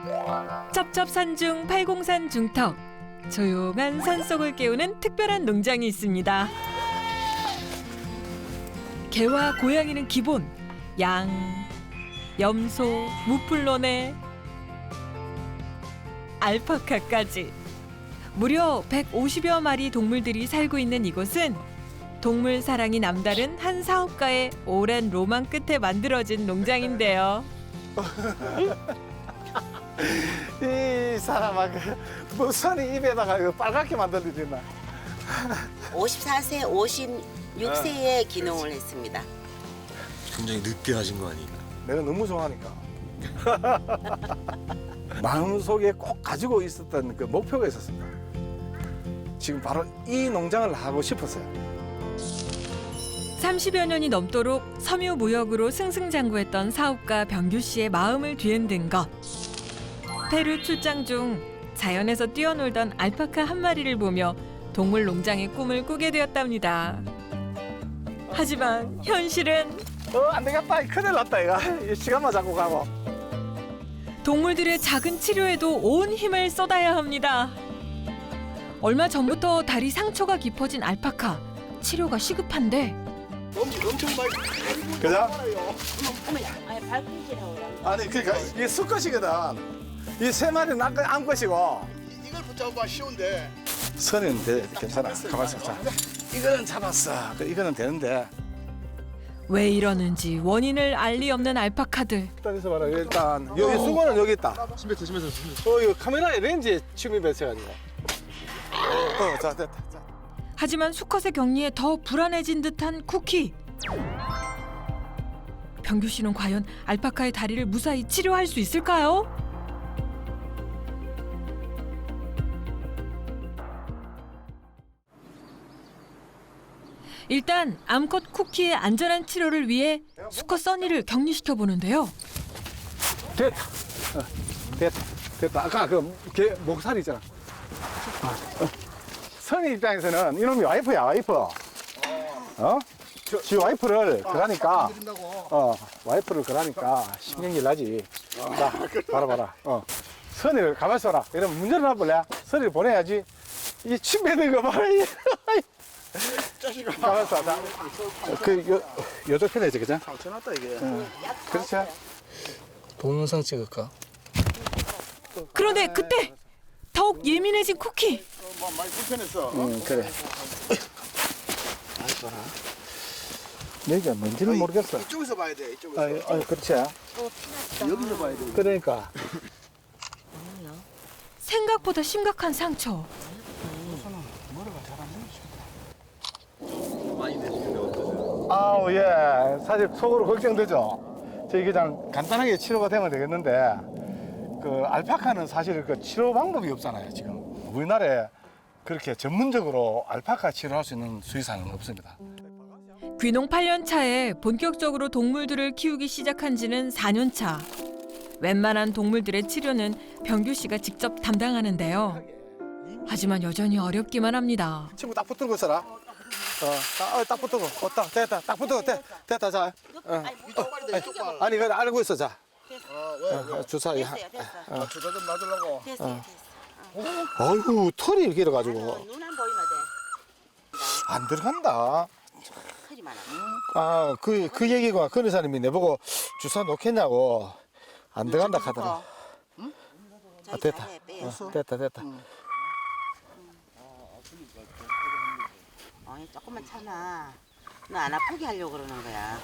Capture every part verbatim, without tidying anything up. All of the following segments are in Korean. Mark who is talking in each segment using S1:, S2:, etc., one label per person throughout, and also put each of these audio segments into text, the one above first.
S1: 첩첩산중 팔공산 중턱. 조용한 산속을 깨우는 특별한 농장이 있습니다. 개와 고양이는 기본, 양, 염소, 무플론에 알파카까지. 무려 백오십여 마리 동물들이 살고 있는 이곳은 동물 사랑이 남다른 한 사업가의 오랜 로망 끝에 만들어진 농장인데요.
S2: 이 사람아, 그 무슨 입에다가 이거 빨갛게 만들어지나?
S3: 오십사 세, 오십육 세에 기농을 했습니다.
S4: 굉장히 늦게 하신 거 아니에요?
S2: 내가 너무 좋아하니까. 마음속에 꼭 가지고 있었던 그 목표가 있었습니다. 지금 바로 이 농장을 하고 싶었어요.
S1: 삼십여 년이 넘도록 섬유무역으로 승승장구했던 사업가 병규 씨의 마음을 뒤흔든 것. 페루 출장 중 자연에서 뛰어놀던 알파카 한 마리를 보며 동물 농장의 꿈을 꾸게 되었답니다. 하지만 현실은
S2: 어, 안 되겠다. 큰일 났다, 이거. 이 시간만 잡고 가고.
S1: 동물들의 작은 치료에도 온 힘을 쏟아야 합니다. 얼마 전부터 다리 상처가 깊어진 알파카. 치료가 시급한데
S4: 엄청 엄청 많이.
S2: 그죠?
S3: 아니 발꿈치라고
S2: 아니, 그러니까 이게 수컷이거든. 이 세 마리는 안, 안 것이고.
S4: 이걸 붙잡아 쉬운데.
S2: 선은 돼. 괜찮아. 가만 있어. 자. 이거는 잡았어. 그 이거는 되는데.
S1: 왜 이러는지 원인을 알 리 없는 알파카들.
S2: 일단 있어 봐라. 일단 여기 수건은 여기 있다.
S4: 심했어 심했어 심했어.
S2: 어, 이거 카메라에 렌즈에 침입했어가지고. 어, 자, 됐다. 자.
S1: 하지만 수컷의 격리에 더 불안해진 듯한 쿠키. 병규 씨는 과연 알파카의 다리를 무사히 치료할 수 있을까요? 일단 암컷 쿠키의 안전한 치료를 위해 수컷 써니를 격리시켜 보는데요.
S2: 됐다. 어, 됐다. 됐다. 아까 그 개 목살이 있잖아. 아, 어. 선희 입장에서는 이놈이 와이프야, 와이프. 어? 지 와이프를 그러니까, 어, 와이프를 그러니까 신경질 나지. 자, 봐라, 봐라. 어. 선희를 가만히 있어라. 이러면 문제를 놔볼래? 선희를 보내야지. 이 침뱉는 거 봐라. 가만히 있어. 자, 그, 요, 요쪽 편에 있지, 그죠?
S4: 상처났다 이게.
S2: 응. 그렇죠.
S4: 동영상 찍을까?
S1: 그런데 그때 더욱 예민해진 쿠키.
S4: 뭐 많이 불편했어.
S2: 응, 그래. 여기가 뭔지는 모르겠어.
S4: 이쪽에서 봐야 돼. 이쪽에서.
S2: 아, 아, 그렇지.
S4: 여기서 봐야 돼.
S2: 그러니까.
S1: 생각보다 심각한 상처.
S4: 많이 됐는데 어떠세요?
S2: 아우, 예. 사실 속으로 걱정되죠. 저희 그냥 간단하게 치료가 되면 되겠는데, 그 알파카는 사실 그 치료 방법이 없잖아요, 지금. 우리나라에 그렇게 전문적으로 알파카 치료할 수 있는 수의사는 없습니다.
S1: 귀농 팔 년 차에 본격적으로 동물들을 키우기 시작한 지는 사 년 차. 웬만한 동물들의 치료는 병규 씨가 직접 담당하는데요. 하지만 여전히 어렵기만 합니다.
S2: 친구 딱 붙은 거 써라. 어, 딱, 어, 딱 붙은 거. 어, 딱, 됐다. 딱 붙은 거. 됐, 됐다, 자. 어.
S4: 이쪽 발이 돼. 이쪽 발.
S2: 아니, 그래, 알고 있어, 자.
S4: 아 왜?
S2: 어, 주사. 이 하-
S3: 됐어요, 됐어.
S4: 아, 주사 좀 놔주려고.
S3: 됐어요, 됐어.
S2: 아이고, 털이 이렇게 길어가지고.
S3: 눈안 보이면 돼.
S2: 안 들어간다.
S3: 털이 많아.
S2: 아, 그, 그 얘기가 그 의사님이 내보고 주사 놓겠냐고. 안 들어간다 하더라.
S3: 응?
S2: 아, 됐다. 어, 됐다, 됐다.
S3: 어, 조금만 참아. 너 안 아프게 하려고 그러는 거야.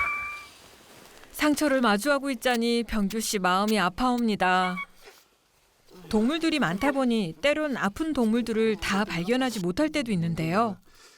S1: 상처를 마주하고 있자니 병규 씨 마음이 아파옵니다. 동물들이 많다 보니 때론 아픈 동물들을 다 발견하지 못할 때도 있는데요.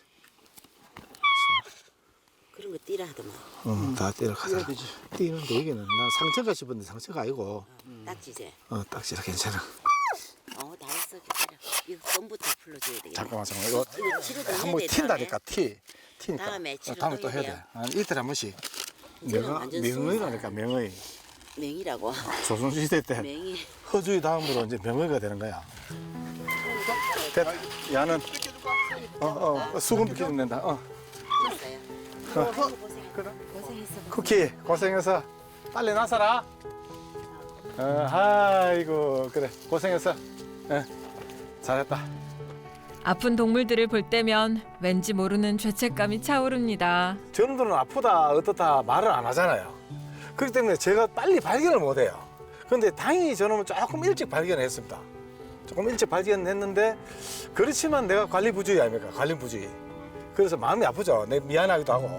S3: 그런 거 띠라 하더만.
S2: 응, 다 때려가자. 뛰는데 여기는 나 상처가 싶은데 상처가 아니고.
S3: 딱지제.
S2: 어, 딱지라 괜찮아.
S3: 어, 다 했어. 기다려. 이거 썸부터 풀러줘야 되겠다.
S2: 잠깐만, 잠깐만. 이거
S3: 이거 치료도 해야
S2: 한번
S3: 돼,
S2: 튄다니까, 티. 티니까.
S3: 다음에
S2: 어,
S3: 치료도
S2: 다음에 또
S3: 해야
S2: 해야 돼.
S3: 돼요.
S2: 한 이틀에 한 번씩.
S3: 이제는
S2: 내가
S3: 완전
S2: 명의라니까, 명의.
S3: 맹이라고.
S2: 조선시대 때
S3: 맹이.
S2: 허주의 다음으로 이제 명의가 되는 거야. 됐다. 야는 어, 어, 수건 비켜주면 된다. 어.
S3: 됐어요.
S2: 어.
S3: 고생했어.
S2: 그래.
S3: 고생했어.
S2: 쿠키 고생해서 빨리 나서라. 어, 아이고 그래 고생했어. 어, 잘했다.
S1: 아픈 동물들을 볼 때면 왠지 모르는 죄책감이 차오릅니다.
S2: 저놈들은 아프다 어떻다 말을 안 하잖아요. 그렇기 때문에 제가 빨리 발견을 못해요. 그런데 다행히 저놈은 조금 일찍 발견했습니다. 조금 일찍 발견했는데 그렇지만 내가 관리 부주의 아닙니까? 관리 부주의. 그래서 마음이 아프죠. 내 미안하기도 하고.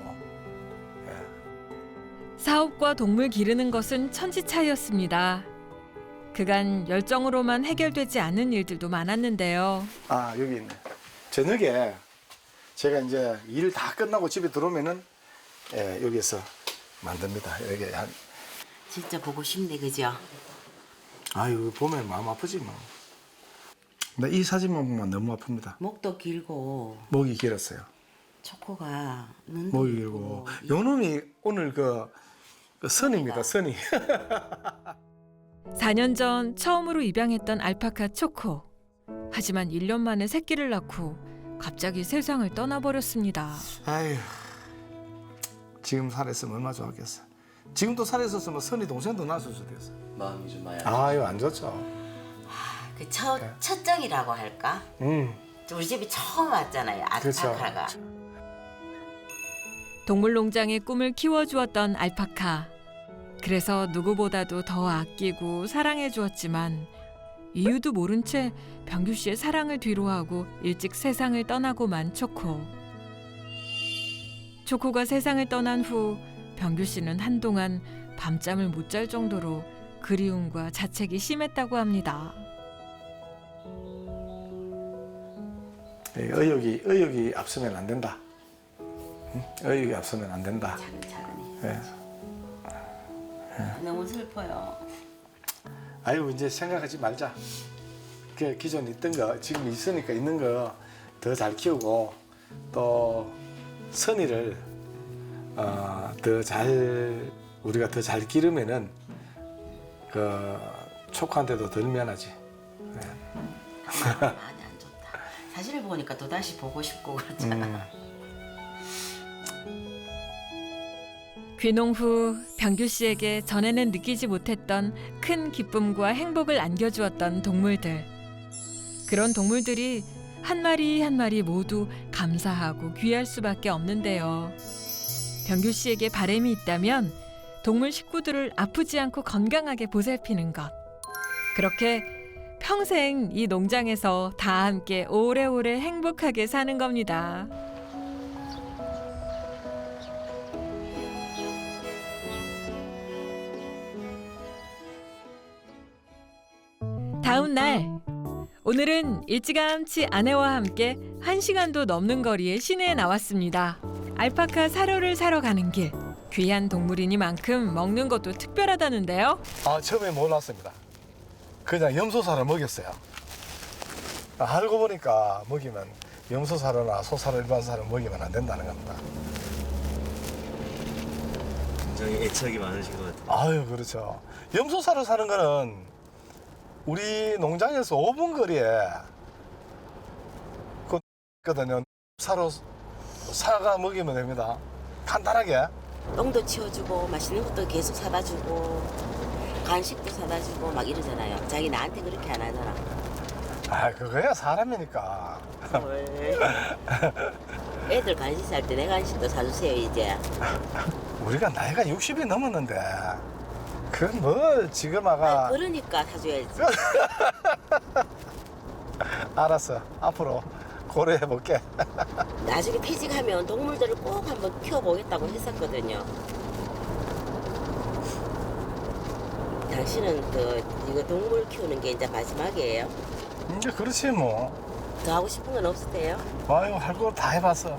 S1: 사업과 동물 기르는 것은 천지차이였습니다. 그간 열정으로만 해결되지 않은 일들도 많았는데요.
S2: 아 여기 있네. 저녁에 제가 이제 일 다 끝나고 집에 들어오면은 예, 여기서 만듭니다. 여기 한
S3: 진짜 보고 싶네, 그죠?
S2: 아유 보면 마음 아프지 뭐. 근데 이 사진만 보면 너무 아픕니다.
S3: 목도 길고
S2: 목이 길었어요.
S3: 초코가 눈도
S2: 목이 길고 요 놈이 오늘 그, 그 선입니다. 선이.
S1: 사 년 전 처음으로 입양했던 알파카 초코. 하지만 일 년 만에 새끼를 낳고 갑자기 세상을 떠나버렸습니다.
S2: 아유 지금 살았으면 얼마나 좋았겠어. 지금도 살았었으면 선이 동생도 낳았을 수도 있어.
S4: 마음이 좀 많이
S2: 아유 안 좋죠.
S3: 그 첫, 첫정이라고 할까?
S2: 음
S3: 우리 집이 처음 왔잖아요,
S2: 그렇죠.
S3: 알파카가.
S1: 동물농장의 꿈을 키워주었던 알파카. 그래서 누구보다도 더 아끼고 사랑해 주었지만 이유도 모른 채 병규 씨의 사랑을 뒤로하고 일찍 세상을 떠나고만 초코. 초코가 세상을 떠난 후 병규 씨는 한동안 밤잠을 못 잘 정도로 그리움과 자책이 심했다고 합니다.
S2: 의욕이 의욕이 앞서면 안 된다. 응? 의욕이 앞서면 안 된다.
S3: 차근차근히.
S2: 네.
S3: 너무 슬퍼요.
S2: 아유 이제 생각하지 말자. 그 기존 있던 거 지금 있으니까 있는 거 더 잘 키우고 또 선의를 어, 더 잘 우리가 더 잘 기르면은 그 초코한테도 덜 미안하지. 네.
S3: 많이 안 좋다. 사진을 보니까 또 다시 보고 싶고 그렇잖아.
S2: 음.
S1: 귀농 후 병규 씨에게 전에는 느끼지 못했던 큰 기쁨과 행복을 안겨주었던 동물들. 그런 동물들이 한 마리 한 마리 모두 감사하고 귀할 수밖에 없는데요. 병규 씨에게 바람이 있다면 동물 식구들을 아프지 않고 건강하게 보살피는 것. 그렇게 평생 이 농장에서 다 함께 오래오래 행복하게 사는 겁니다. 다음 날, 오늘은 일찌감치 아내와 함께 한 시간도 넘는 거리의 시내에 나왔습니다. 알파카 사료를 사러 가는 길. 귀한 동물이니만큼 먹는 것도 특별하다는데요.
S2: 아 처음에 몰랐습니다. 그냥 염소살을 먹였어요. 알고 보니까 먹이면 염소살이나 소살 일반 살을 먹이면 안 된다는 겁니다.
S4: 굉장히 애착이 많으신 것 같아요.
S2: 아유 그렇죠. 염소살을 사는 거는 우리 농장에서 오 분 거리에 그 있거든요. 사로 사가 먹이면 됩니다. 간단하게.
S3: 똥도 치워주고 맛있는 것도 계속 사다 주고 간식도 사다 주고 막 이러잖아요. 자기 나한테 그렇게 안 하잖아.
S2: 아 그거야 사람이니까.
S3: 애들 간식 살 때 내 간식도 사주세요 이제.
S2: 우리가 나이가 육십이 넘었는데 그건 뭐 지금 아가.
S3: 아, 그러니까 사줘야지.
S2: 알았어. 앞으로 고려해볼게.
S3: 나중에 퇴직하면 동물들을 꼭 한번 키워보겠다고 했었거든요. 당신은 그 이거 동물 키우는 게 이제 마지막이에요.
S2: 이제 그렇지 뭐.
S3: 더 하고 싶은 건 없으세요?
S2: 아유 할 거 다 해봤어.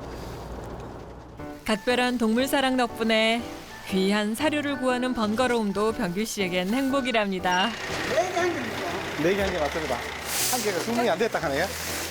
S1: 각별한 동물 사랑 덕분에 귀한 사료를 구하는 번거로움도 병규 씨에겐 행복이랍니다.
S2: 네 개 한 개 맞습니다. 한 개가 주문이 안 됐다 하네요.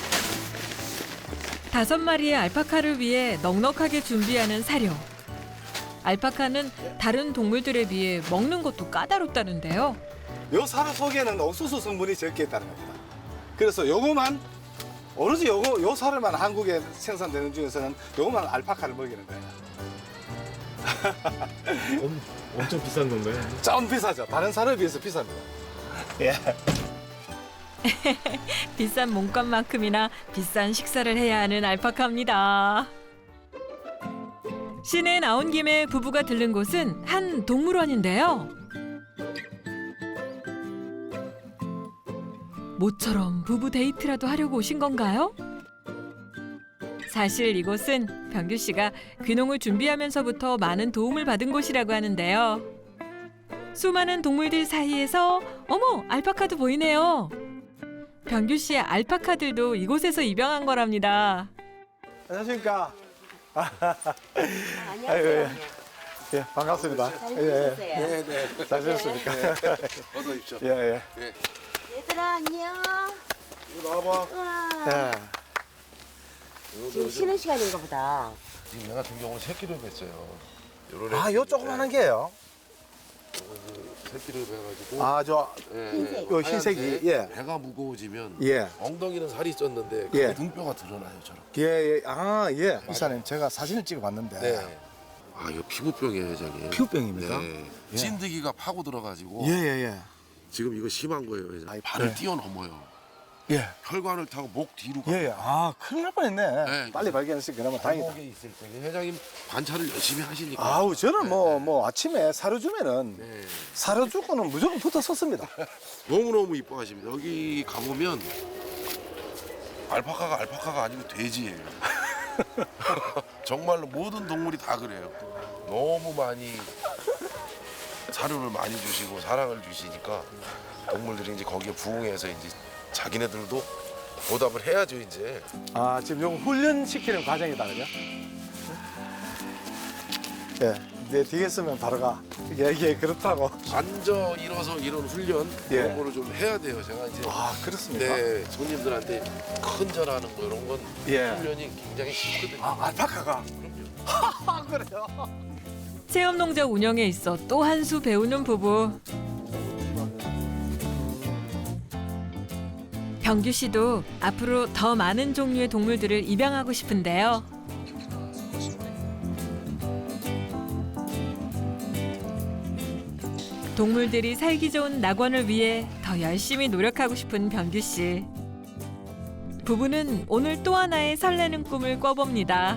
S1: 다섯 마리의 알파카를 위해 넉넉하게 준비하는 사료. 알파카는 다른 동물들에 비해 먹는 것도 까다롭다는데요.
S2: 요 사료 속에는 옥수수 성분이 적게 있다는 겁니다. 그래서 요거만 오로지 요거 요 사료만 한국에 생산되는 중에서는 요거만 알파카를 먹이는 거예요.
S4: 엄, 엄청 비싼 건가요?
S2: 좀 비싸죠. 다른 사람에 비해서 비쌉니다. 예.
S1: 비싼 몸값만큼이나 비싼 식사를 해야 하는 알파카입니다. 시내에 나온 김에 부부가 들른 곳은 한 동물원인데요. 모처럼 부부 데이트라도 하려고 오신 건가요? 사실 이곳은 병규 씨가 귀농을 준비하면서부터 많은 도움을 받은 곳이라고 하는데요. 수많은 동물들 사이에서 어머, 알파카도 보이네요. 병규 씨의 알파카들도 이곳에서 입양한 거랍니다.
S2: 안녕하십니까.
S3: 안녕하세요.
S2: 아이고, 예. 예, 반갑습니다.
S3: 잘
S2: 예, 예.
S3: 지내셨어요?
S2: 네, 네. 잘 지냈습니까?
S5: 어서 오십시오.
S2: 예, 예.
S3: 얘들아 안녕.
S5: 이거 나와봐.
S3: 우와.
S2: 예.
S3: 지금 쉬는 시간인가 보다.
S5: 지금 얘 같은 경우는 새끼를 뱄어요. 요런
S2: 아, 요 조그만한 게요.
S5: 새끼를 뵈가지고.
S2: 아, 저,
S5: 예,
S3: 흰색.
S2: 요 흰색이,
S5: 하얀색.
S2: 예.
S5: 배가 무거워지면
S2: 예.
S5: 엉덩이는 살이 쪘는데
S2: 예.
S5: 그 등뼈가 드러나요, 저렇게.
S2: 예, 예. 아, 예. 이사님, 제가 사진을 찍어 봤는데.
S5: 네. 아, 이거 피부병이에요, 회장님.
S2: 피부병입니까?
S5: 네.
S2: 예.
S5: 찐득이가 파고 들어가지고
S2: 예, 예, 예.
S5: 지금 이거 심한 거예요, 회장님.
S2: 아이,
S5: 발을
S2: 네.
S5: 뛰어넘어요.
S2: 예.
S5: 혈관을 타고 목 뒤로 가.
S2: 예, 예. 아, 큰일 날 뻔했네.
S5: 네.
S2: 빨리 발견했으니 그나마 다행이다.
S5: 발목에 있을 때 회장님 관찰을 열심히 하시니까.
S2: 아우, 저는
S5: 네,
S2: 뭐,
S5: 네.
S2: 뭐, 아침에 사료 주면은,
S5: 네.
S2: 사료 주고는 무조건 붙어 섰습니다.
S5: 너무너무 이뻐하십니다. 여기 가보면 알파카가 알파카가 아니고 돼지예요. 정말로 모든 동물이 다 그래요. 너무 많이 사료를 많이 주시고 사랑을 주시니까 동물들이 이제 거기에 부응해서 이제 자기네들도 보답을 해야죠 이제.
S2: 아, 지금 요 훈련시키는 과정이다, 그죠? 예. 내 뒤에 쓰면 바로 가. 예, 예, 그렇다고.
S5: 앉아 일어서 이런 훈련
S2: 예.
S5: 이런 거를 좀 해야 돼요. 제가 이제
S2: 아, 그렇습니까?
S5: 네 손님들한테 큰절하는 거 이런 건
S2: 예.
S5: 훈련이 굉장히 쉽거든요.
S2: 아, 알파카가.
S5: 그럼요.
S2: 아, 그래요?
S1: 체험농장 운영에 있어 또 한 수 배우는 부부. 병규 씨도 앞으로 더 많은 종류의 동물들을 입양하고 싶은데요. 동물들이 살기 좋은 낙원을 위해 더 열심히 노력하고 싶은 병규 씨. 부부는 오늘 또 하나의 설레는 꿈을 꿔봅니다.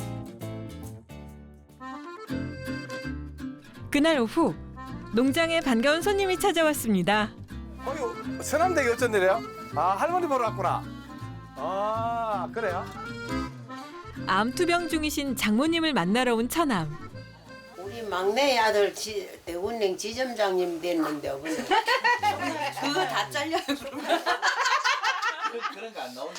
S1: 그날 오후 농장에 반가운 손님이 찾아왔습니다.
S2: 어휴, 서남대기 어쩐 일이에요? 아, 할머니 보러 왔구나. 아, 그래요?
S1: 암투병 중이신 장모님을 만나러 온 처남.
S6: 우리 막내 아들 지, 대운행 지점장님 됐는데 어머니.
S3: 그거 다 잘려요.
S4: 그런 거 안 나온다.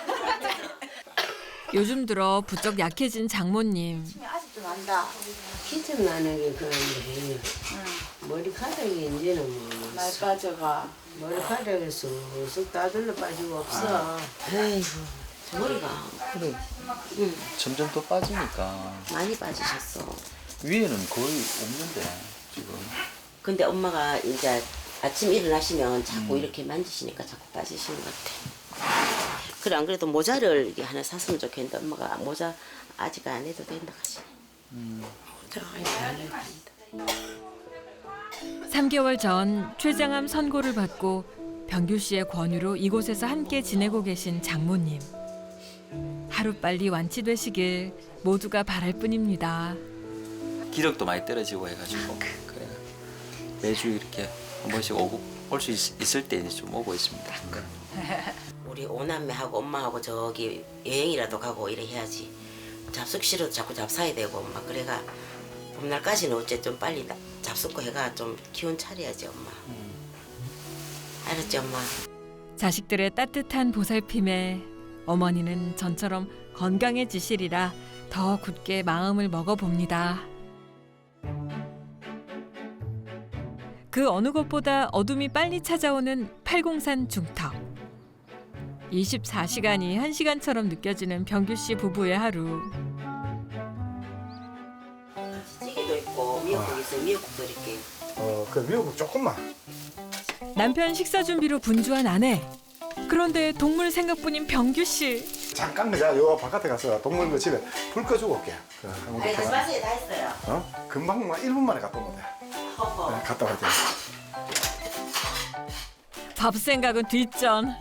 S1: 요즘 들어 부쩍 약해진 장모님.
S3: 아직도 난다.
S6: 기점 나는 게 그런데 머리카락이 이제는 뭐
S3: 날 빠져가.
S6: 머리카락이 쑥쑥 따들러 빠지고 없어.
S3: 아이고 머리가 그래
S7: 점점 더 빠지니까
S3: 많이 빠지셨어.
S7: 위에는 거의 없는데 지금
S3: 근데 엄마가 이제 아침 일어나시면 자꾸 이렇게 만지시니까 자꾸 빠지시는 것 같아. 그래 안 그래도 모자를 이게 하나 샀으면 좋겠는데 엄마가 모자 아직 안 해도 된다 하시네. 모자 아직 안 해도 된다.
S1: 삼 개월 전 췌장암 선고를 받고 병규 씨의 권유로 이곳에서 함께 지내고 계신 장모님. 하루빨리 완치되시길 모두가 바랄 뿐입니다.
S7: 기력도 많이 떨어지고 해가지고 그래 매주 이렇게 한 번씩 오고 올 수 있을 때 이제 좀 오고 있습니다.
S3: 우리 오남매하고 엄마하고 저기 여행이라도 가고 이래 해야지. 잡숫 싫어도 자꾸 잡사야 되고 엄마 그래가 봄날까지는 어째 좀 빨리 나- 잡숫고 해가 좀 기운 차려야지 엄마. 알았지 엄마? 자식들의 따뜻한 보살핌에 어머니는 전처럼 건강해지시리라 더 굳게 마음을 먹어봅니다. 그 어느 것보다 어둠이 빨리 찾아오는 팔공산 중턱. 이십사 시간이 한 시간처럼 느껴지는 병규 씨 부부의 하루. 찌개도 있고 미역국 있으면 미역국 드릴게.
S2: 어, 그 미역국 조금만.
S1: 남편 식사 준비로 분주한 아내. 그런데 동물 생각뿐인 병규 씨.
S2: 잠깐 내가 요 바깥에 가서 동물 그 집에 불 꺼주고 올게. 그, 한번
S3: 아니
S2: 갔다가.
S3: 마시에 다 했어요.
S2: 어? 금방 뭐 일 분 만에 갔다 오면 돼.
S3: 허허.
S2: 네, 갔다 와야 돼.
S1: 밥 생각은 뒷전.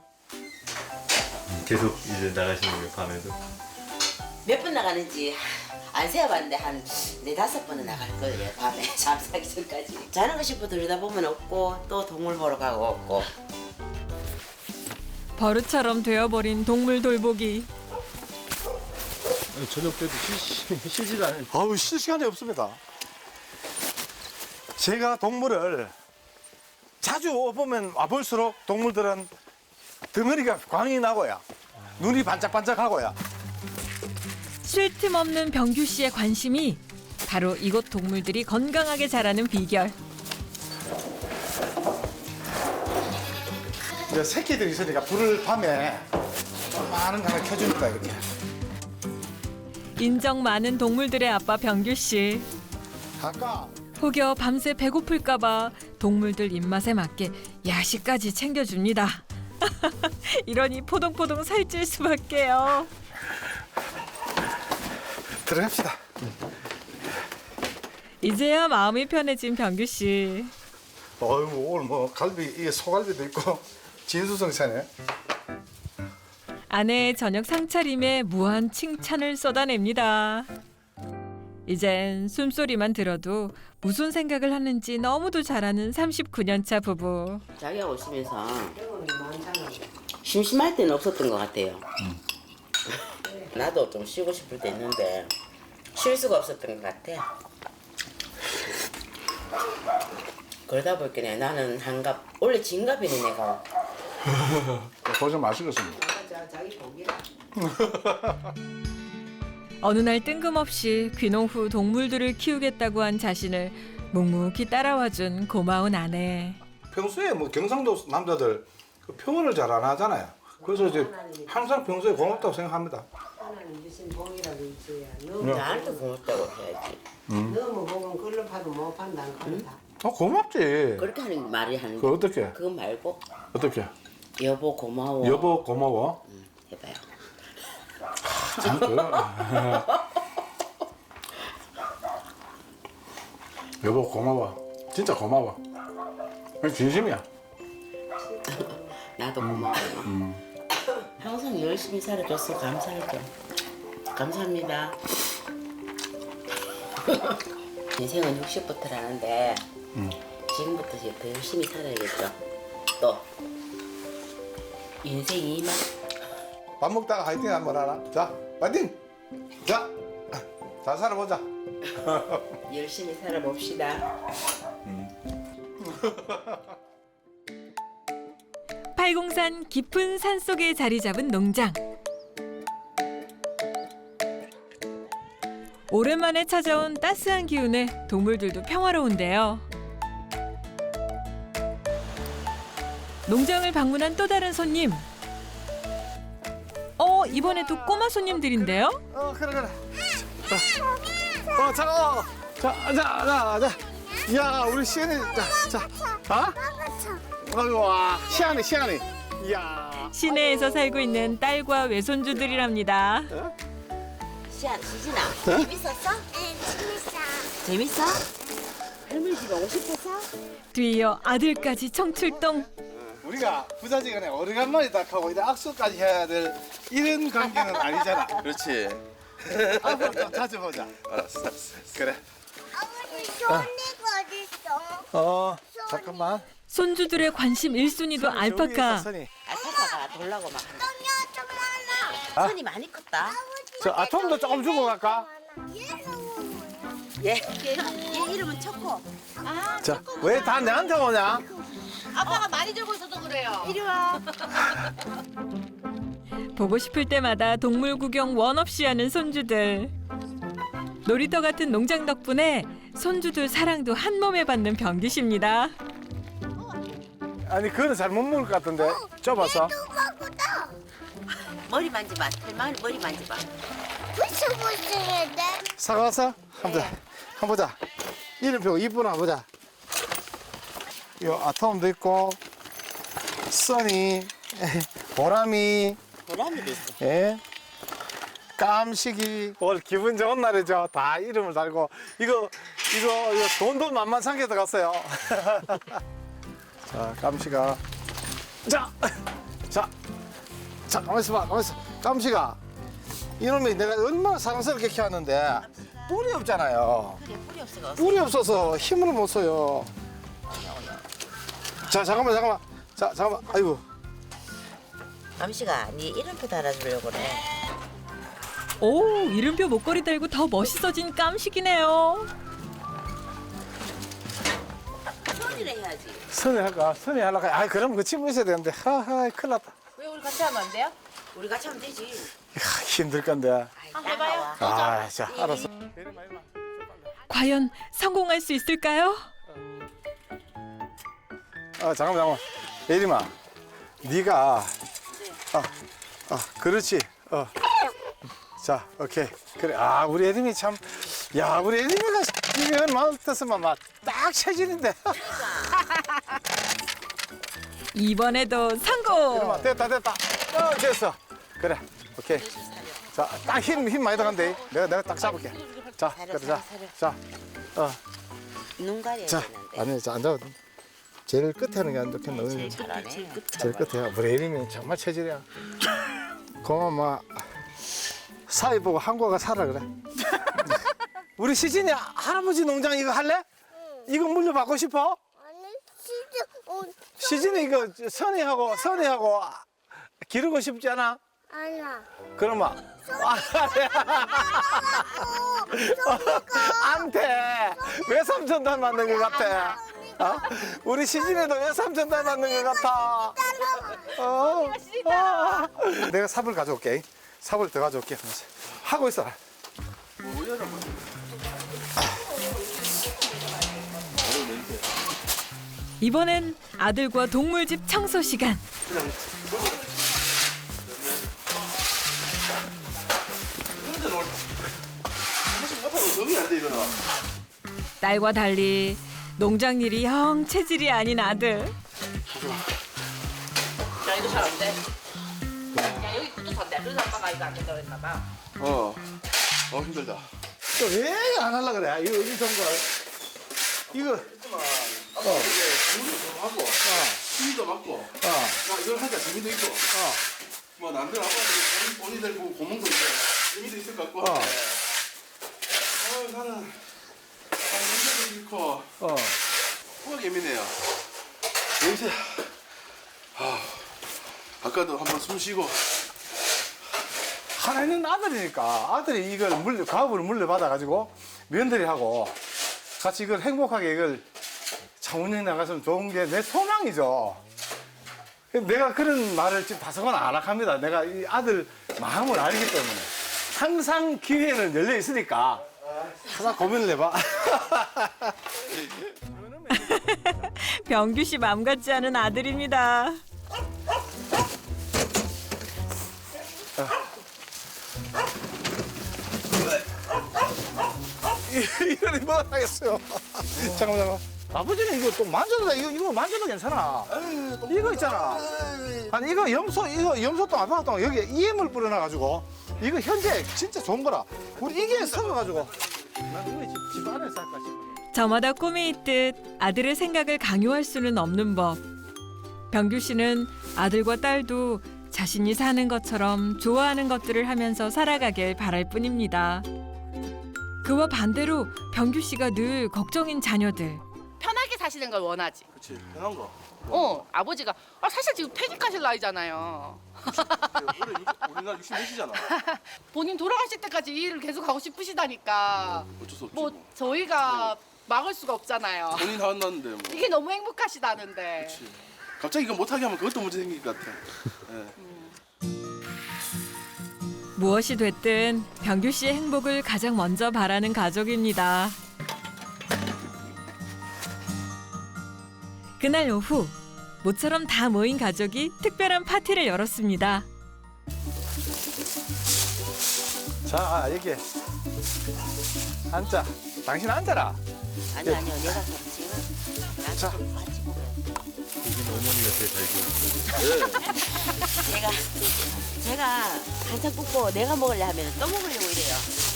S4: 계속 이제 나가시는 거예요, 밤에도?
S3: 몇 번 나가는지 안 세어봤는데 한 네다섯 번은 나갈 거예요. 밤에 잠자기 전까지. 자는 거 싶어 들여다 보면 없고 또 동물 보러 가고 없고.
S1: 버릇처럼 되어버린 동물 돌보기.
S4: 저녁 때도 쉬, 쉬지도 않아요.
S2: 아우 쉴 시간이 없습니다. 제가 동물을 자주 보면 와볼수록 동물들은 덩어리가 광이 나고요. 눈이 반짝반짝하고요.
S1: 쉴 틈 없는 병규 씨의 관심이 바로 이곳 동물들이 건강하게 자라는 비결.
S2: 이제 새끼들이 있으니까 불을 밤에 많은 거 하나 켜줍니다 이렇게.
S1: 인정 많은 동물들의 아빠 병규 씨.
S2: 아까
S1: 혹여 밤새 배고플까봐 동물들 입맛에 맞게 야식까지 챙겨줍니다. 이러니 포동포동 살찔 수밖에요.
S2: 들어갑시다.
S1: 이제야 마음이 편해진 병규 씨.
S2: 어이구 오늘 뭐 갈비 이게 소갈비도 있고 진수성찬에.
S1: 아내의 저녁 상차림에 무한 칭찬을 쏟아냅니다. 이젠 숨소리만 들어도 무슨 생각을 하는지 너무도 잘 아는 삼십구 년 차 부부.
S3: 자기하고 있으면서 심심할 때는 없었던 것 같아요. 나도 좀 쉬고 싶을 때 있는데 쉴 수가 없었던 것 같아. 그러다 보니까 나는 한갑 원래 진갑이네 내가.
S2: 도전 맛있겠습니다.
S1: 어느 날 뜬금없이 귀농 후 동물들을 키우겠다고 한 자신을 묵묵히 따라와준 고마운 아내.
S2: 평소에 뭐 경상도 남자들 그 표현을 잘 안 하잖아요. 그래서 이제 항상 평소에 고맙다고 생각합니다.
S6: 하나님 주신 복이라도 있어야.
S2: 네.
S6: 너무
S3: 나한테 고맙다고 해야지.
S6: 너무 복은 걸로 파도 못 판단 그렇다.
S2: 어 고맙지.
S3: 그렇게 하는 말이 하는
S2: 그
S3: 거.
S2: 어떻게?
S3: 그거 말고
S2: 어떻게?
S3: 여보 고마워.
S2: 여보 고마워.
S3: 응, 해봐요.
S2: 참 그. 여보 고마워. 진짜 고마워. 진심이야.
S3: 나도 고마워. 항상 열심히 살아줘서 감사할게. 감사합니다. 인생은 육십부터라는데 지금부터 이제 더 열심히 살아야겠죠. 또 인생이 이만.
S2: 밥 먹다가 화이팅 한번 하나. 자, 화이팅. 자, 잘 살아보자.
S3: 열심히 살아봅시다.
S1: 팔공산 깊은 산속에 자리 잡은 농장. 오랜만에 찾아온 따스한 기운에 동물들도 평화로운데요. 농장을 방문한 또 다른 손님. 어, 이번에도 꼬마 손님들인데요?
S2: 어, 그래 그래. 어, 자, 어, 자, 자, 자, 자. 야, 우리 시안이, 자, 자, 어? 아이고, 와, 시안이, 시안이. 이야.
S1: 시내에서 살고 있는 딸과 외손주들이랍니다.
S3: 시안, 지진아, 재밌었어?
S8: 네, 재밌어.
S3: 재밌어? 할머니 집 오고 싶었어?
S1: 뒤이어 아들까지 청출동.
S2: 우리가 부자지간에 오래간만에 딱 하고 이제 악수까지 해야 될 이런 관계는 아니잖아.
S5: 그렇지.
S2: 앞으로 좀 자주 보자.
S5: 알았어, 알았어.
S2: 그래.
S8: 아버지, 소니가 어딨어?
S2: 어, 잠깐만.
S1: 손주들의 관심 일 순위도 알파카.
S2: 선이.
S3: 알파카가 돌라고 막.
S8: 똥이 좀 많아.
S3: 손이 많이 컸다.
S2: 저 아톰도 조금 주고 갈까?
S3: 얘, 얘, 얘 이름은 초코. 아,
S2: 자, 왜 다 내한테 오냐?
S3: 아빠가 많이 들고 있어서 그래요. 이리 와.
S1: 보고 싶을 때마다 동물 구경 원 없이 하는 손주들. 놀이터 같은 농장 덕분에 손주들 사랑도 한 몸에 받는 병규 씨입니다.
S2: 아니, 그거는 잘 못 먹을 것 같은데. 좁아서.
S8: 누구보다
S3: 머리 만져봐. 털만 머리 만져봐.
S8: 부스부스해 돼.
S2: 사과서? 한번 보자. 한번 보자. 이름표 이쁘나 보자. 요 아톰도 있고, 써니, 보람이,
S3: 보람이 됐어.
S2: 예. 깜식이 오늘 기분 좋은 날이죠. 다 이름을 달고 이거 이거 이거 돈도 만만찮게 들어갔어요. 자, 깜식아. 자, 자, 자, 가만 있어봐, 가만 있어. 깜식아, 이놈이 내가 얼마나 사랑스럽게 키웠는데 뿔이 없잖아요.
S3: 그래 뿌리 없어가.
S2: 뿔이 없어서 힘을 못 써요. 자, 잠깐만, 잠깐만. 자, 잠깐만. 아이고.
S3: 감시가 네 이름표 달아주려고 그래.
S1: 오, 이름표 목걸이 달고 더 멋있어진 깜식이네요.
S3: 손이라 해야지.
S2: 선에 할까? 선에 하려고. 아, 그럼 그 친구 있어야 되는데. 하하, 큰일 났다.
S3: 왜 우리 같이 하면 안 돼요? 우리 같이 하면 되지.
S2: 이야, 힘들 건데.
S3: 한번 해봐요.
S2: 아, 자, 알았어.
S1: 과연 성공할 수 있을까요?
S2: 아, 잠깐만, 잠깐만. 예림아, 네가 아, 아, 그렇지. 어. 자, 오케이. 그래. 아, 우리 예림이 참, 야, 우리 예림이가 이면 마음 뜻으면 막딱 체질인데.
S1: 이번에도 성공!
S2: 예림아, 됐다, 됐다. 어, 됐어. 그래, 오케이. 자, 딱 힘, 힘 많이 들어간대. 내가, 내가 딱 잡을게. 자, 그래, 자, 자, 어,
S3: 눈 가려야
S2: 자,
S3: 되는데.
S2: 아니, 자, 앉아. 제일 끝에 하는 게 안 좋겠나?
S3: 제일 잘하네.
S2: 제일 끝에. 우리 예림이 정말 체질이야. 고마워, 마. 사위 보고 한국가 살아 그래. 우리 시진이 할아버지 농장 이거 할래? 이거 물려받고 싶어?
S8: 아니 진짜 어,
S2: 시진이 이거 선이하고 선이하고 기르고 싶지 않아?
S8: 아니야.
S2: 그러면 안돼. 외삼촌 닮았는 것 같아. 어? 우리 시진이도 외삼촌 닮았는 것 같아. 어. 어. 내가 삽을 가져올게. 삽을 더 가져올게. 하고 있어.
S1: 이번엔 아들과 동물집 청소 시간. 딸과 달리 농장 일이 영 체질이 아닌 아들.
S3: 야 이거 잘 안 돼. 야 여기 구두 선대. 그래서 아빠가 이거 안 된다고 했나 봐.
S5: 어, 어 힘들다.
S2: 또 왜 안 하려 그래? 이거 이런 걸. 이거. 어.
S5: 물도 하고, 힘도 맞고,
S2: 어.
S5: 나 이걸 하니까 재미도 있고, 뭐 남들 아빠들 본인 본인들 보고 고문도 있고 재미도 있을 것 같고.
S2: 어.
S5: 어, 나는 아, 냄새도 싫고,
S2: 어.
S5: 코가 예민해요. 냄새. 아, 아까도 한번 숨 쉬고.
S2: 하나는 아들이니까 아들이 이걸 물려 가업을 물려받아 가지고 며느리하고 같이 이걸 행복하게 이걸 장운영 나갔으면 좋은 게 내 소망이죠. 내가 그런 말을 지금 다소간 안 합니다. 내가 이 아들 마음을 알기 때문에 항상 기회는 열려 있으니까 하나 고민을 해봐.
S1: 병규 씨 맘 같지 않은 아들입니다.
S2: 이러니 뭐 하겠어요. 잠깐만, 잠깐만. 아버지는 이거 또 만져도 돼. 이거, 이거 만져도 괜찮아. 이거 있잖아. 아니, 이거 염소, 이거 염소똥, 아빠똥 여기에 이엠을 뿌려놔가지고 이거 현재 진짜 좋은 거라. 우리 이게 섞어가지고. 난 이거 집, 집 안에서 할까 싶어.
S1: 저마다 꿈이 있듯 아들의 생각을 강요할 수는 없는 법. 병규 씨는 아들과 딸도 자신이 사는 것처럼 좋아하는 것들을 하면서 살아가길 바랄 뿐입니다. 그와 반대로 병규 씨가 늘 걱정인 자녀들.
S9: 편하게 사시는 걸 원하지.
S5: 그렇지, 편한 거.
S9: 어, 아버지가 아, 사실 지금 퇴직하실 나이잖아요.
S5: 우리나라 육십몇이잖아.
S9: 본인 돌아가실 때까지 이 일을 계속 하고 싶으시다니까.
S5: 어쩔 수 없지.
S9: 뭐
S5: 뭐.
S9: 저희가 막을 수가 없잖아요.
S5: 본인 화났는데 뭐.
S9: 이게 너무 행복하시다는데.
S5: 그렇지. 갑자기 이거 못하게 하면 그것도 문제 생길 것 같아. 예.
S1: 무엇이 됐든 병규 씨의 행복을 가장 먼저 바라는 가족입니다. 그날 오후 모처럼 다 모인 가족이 특별한 파티를 열었습니다.
S2: 자, 여기 앉자. 당신 앉아라.
S3: 아니 아니요 내가 그렇지. 나도
S2: 자.
S3: 좀 같이 보래.
S4: 제일 잘 키우는
S3: 제가 제가 한참 굽고 내가 먹으려 하면 또 먹으려고 이래요.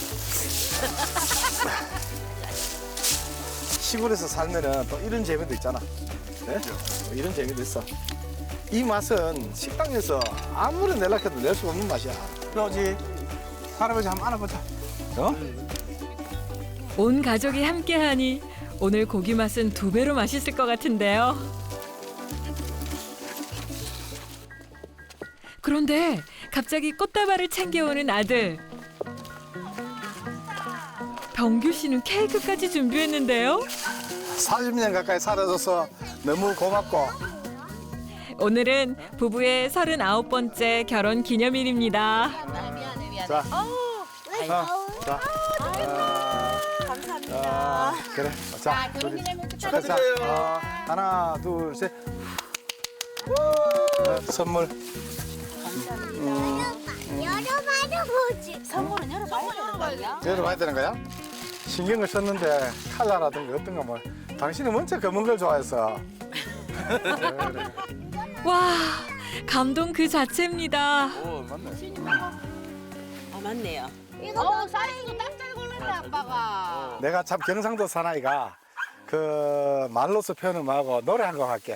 S2: 시골에서 살면은 또 이런 재미도 있잖아. 네? 뭐 이런 재미도 있어. 이 맛은 식당에서 아무리 내려해도 낼 수가 없는 맛이야. 그러지. 할아버지 한번 안아보자. 어?
S1: 온 가족이 함께하니 오늘 고기 맛은 두 배로 맛있을 것 같은데요. 그런데 갑자기 꽃다발을 챙겨오는 아들. 병규 씨는 케이크까지 준비했는데요.
S2: 사십 년 가까이 살아줘서 너무 고맙고.
S1: 오늘은 부부의 서른아홉 번째 결혼 기념일입니다.
S2: 자, 자, 자.
S3: 감사합니다.
S2: 그래. 자, 우리 축하드려요. 어, 하나, 둘, 셋. 어, 선물.
S8: 열어봐도 보지.
S3: 선물은 열어봐야 되는 거야?
S2: 열어봐야 되는 거야? 신경을 썼는데 칼라라든가 어떤 거 뭐. 당신은 먼저 검은 걸 좋아해서. 그래, 그래.
S1: 와, 감동 그 자체입니다.
S2: 오, 맞네.
S3: 아 맞네요.
S8: 이거
S9: 어, 사이즈도 딱 잘 골랐네 아빠가.
S2: 내가 참 경상도 사나이가 그 말로서 표현을 하고 노래 한 곡 할게.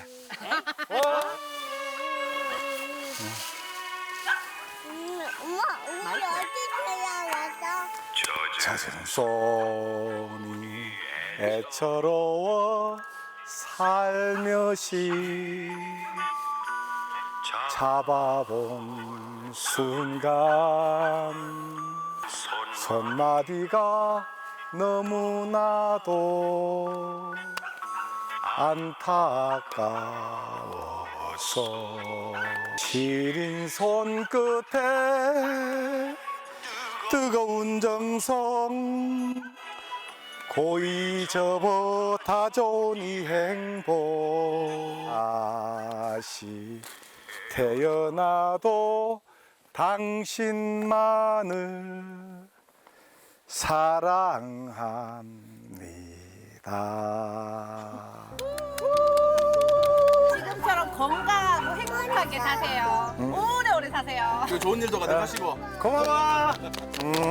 S8: 엄마, 우리 어디 태어났어?
S2: 젖은 손이 애처로워 살며시 잡아본 순간 손마디가 너무나도 안타까워서 시린 손끝에 뜨거운 정성 고이 접어 다져온 이 행복 다시 태어나도 당신만을 사랑합니다.
S9: 지금처럼 건강하고 행복하게 사세요. 오래오래 사세요.
S4: 좋은 일도 가득하시고.
S2: 고마워. 음,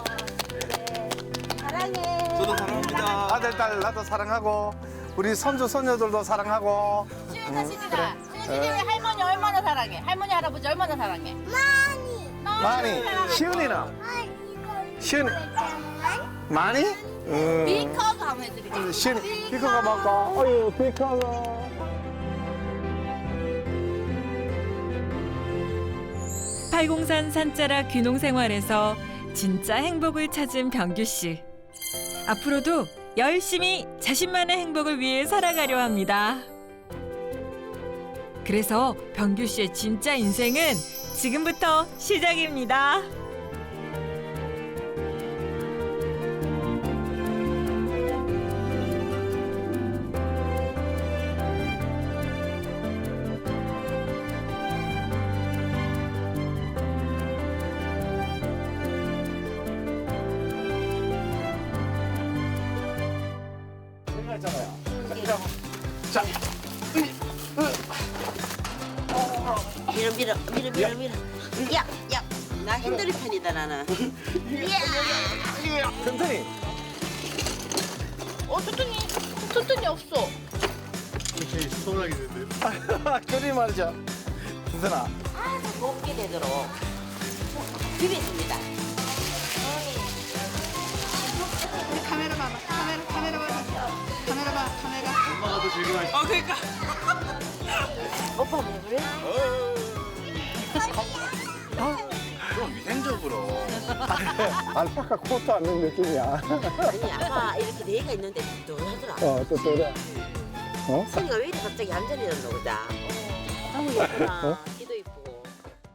S4: 저도 사랑합니다.
S2: 아들, 딸 나도 사랑하고 우리 손주, 손녀들도 사랑하고.
S9: 수연아 시진아, 수연이 왜 할머니 얼마나 사랑해? 할머니 할아버지 얼마나 사랑해?
S8: 많이.
S2: 많이. 시은이는?
S8: 아, 이거.
S2: 시은이. 많이? 음.
S9: 비커가 한번 해드릴게요.
S2: 시은이. 비커가 먹고. 어유, 비커가.
S1: 팔공산 산자락 귀농 생활에서 진짜 행복을 찾은 병규 씨. 앞으로도 열심히 자신만의 행복을 위해 살아가려 합니다. 그래서 병규 씨의 진짜 인생은 지금부터 시작입니다.
S2: 자,
S3: 밀어 밀어 밀어 밀어 밀어. 야, 야, 나 힘들은 편이다 나는.
S2: 튼튼히.
S9: 어, 투tun이, 투tun이 없어.
S4: 혹시 수선하게 되는데요?
S2: 그리 말이죠. 튼튼아.
S3: 곱게 되도록 비비습니다.
S9: 우리 카메라 봐봐. 카메라, 카메라 봐봐. 카메라 봐, 카메라.
S4: 엄마가 더 즐거워하시
S3: 어, 그러니까. 오빠 왜 그래?
S5: 좀 위생적으로.
S2: 알파카 코트 앉는 느낌이야.
S3: 아니 아까 이렇게 네 개가 있는데 또 하더라.
S2: 어, 또 또래. 어?
S3: 선이가 왜 이렇게 갑자기 얌전해졌노 보다. 너무 예쁘다.
S2: 어?